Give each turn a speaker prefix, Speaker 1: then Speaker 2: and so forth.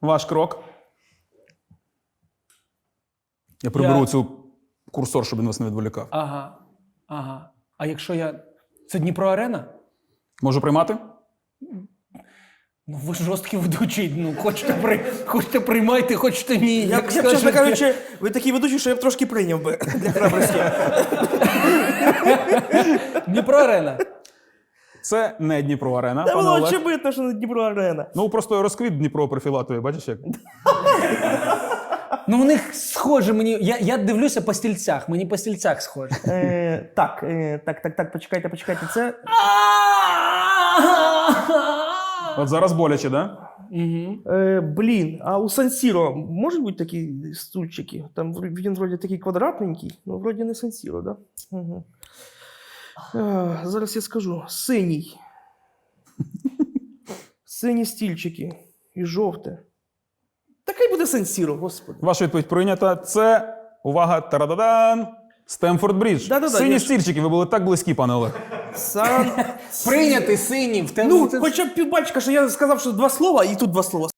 Speaker 1: Ваш крок. Я приберу цю курсор, щоб він вас не відволікав.
Speaker 2: Ага. Ага. А якщо я... Це Дніпро-арена?
Speaker 1: Можу приймати?
Speaker 2: Ну, ви жорсткий ведучий. Ну, хочете приймайте, хочете ні.
Speaker 3: Я б, чесно кажучи, ви такі ведучі, що я б трошки прийняв би для храбрості.
Speaker 2: Дніпро-арена.
Speaker 1: Це не Дніпро-арена,
Speaker 3: Та
Speaker 1: пане
Speaker 3: було
Speaker 1: Олег.
Speaker 3: очевидно, що не Дніпро-арена.
Speaker 1: Ну, просто розквіт Дніпро профілатує, бачиш як?
Speaker 2: Ну, у них схоже мені. Я дивлюся по стільцях. Мені по стільцях схоже.
Speaker 3: Так, почекайте. Це...
Speaker 1: От зараз боляче, да?
Speaker 3: Блін, а у Сан-Сіро можуть бути такі стульчики? Там він вроді такий квадратненький, ну вроді не Сан-Сіро, да? Угу. Зараз я скажу. Синій. Сині стільчики. І жовте. Такий буде Сан-Сіро, господи.
Speaker 1: Ваша відповідь прийнята. Це, увага, тарададан, Стемфорд Брідж.
Speaker 3: Да-да-да,
Speaker 1: Сині
Speaker 3: я ж-
Speaker 1: стільчики, ви були так близькі, пане Олег.
Speaker 3: Сан...
Speaker 2: Прийняти синім.
Speaker 3: Ну, хоча б півбачка, що я сказав, що два слова, і тут два слова.